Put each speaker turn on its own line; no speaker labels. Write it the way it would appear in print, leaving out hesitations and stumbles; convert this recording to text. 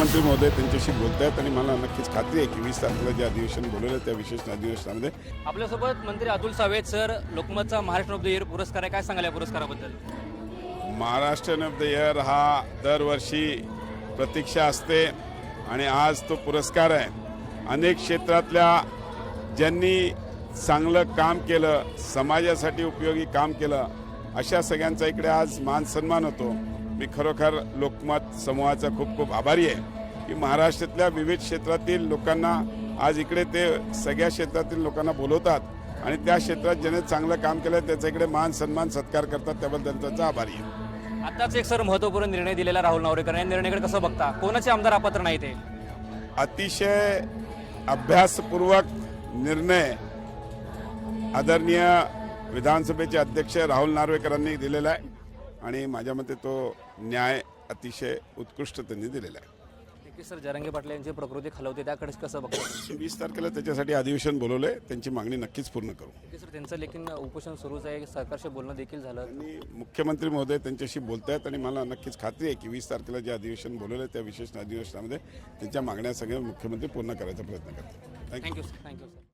मुख्यमंत्री महोदय त्यांच्याशी बोलत आहेत आणि मला नक्कीच खात्री आहे की 20 तारखेला जे अधिवेशन बोलवलं त्या विशेष अधिवेशनामध्ये
आपल्यासोबत मंत्री अतुल सावे सर, लोकमतचा महाराष्ट्र ऑफ द इयर पुरस्कार आहे, काय सांगाल या पुरस्काराबद्दल?
महाराष्ट्र ऑफ द इयर हा दरवर्षी प्रतीक्षा असते आणि आज तो पुरस्कार आहे। अनेक क्षेत्रातल्या ज्यांनी चांगलं काम केलं, समाजासाठी उपयोगी काम केलं, अशा सगळ्यांचा इकडे आज मान सन्मान होतो। मी खरोखर लोकमत समूहाचा खूप खूप आभारी आहे की महाराष्ट्रातल्या विविध क्षेत्रातील लोकांना आज इकडे ते सगळ्या क्षेत्रातील लोकांना बोलवतात आणि त्या क्षेत्रात ज्याने चांगलं काम केलं त्याचा इकडे मान सन्मान सत्कार करतात, त्याबद्दल त्यांचा आभारी आहे।
आताच एक सर महत्त्वपूर्ण निर्णय दिलेला राहुल नार्वेकर या निर्णयाकडे कसं बघता? कोणाचे आमदार अपात्र नाही ते?
अतिशय अभ्यासपूर्वक निर्णय आदरणीय विधानसभेचे अध्यक्ष राहुल नार्वेकरांनी दिलेला आहे आणि माझ्या मते तो न्याय अतिशय उत्कृष्ट त्यांनी दिलेला आहे।
नक्की सर, जरांगे पाटील यांची प्रकृती खालवते, त्याकडे कसं बघता?
20 तारखेला त्याच्यासाठी अधिवेशन बोलवलंय, त्यांची मागणी नक्कीच पूर्ण करू।
नक्की सर, त्यांचं लेखीन उपोषण सुरूच आहे, सरकारशी बोलणं देखील झालं
आणि मुख्यमंत्री महोदय त्यांच्याशी बोलत आहेत आणि मला नक्कीच खात्री आहे की 20 तारखेला जे अधिवेशन बोलवलं त्या विशेष अधिवेशनामध्ये त्यांच्या मागण्या सगळ्या मुख्यमंत्री पूर्ण करायचा प्रयत्न करतात।
Thank you sir.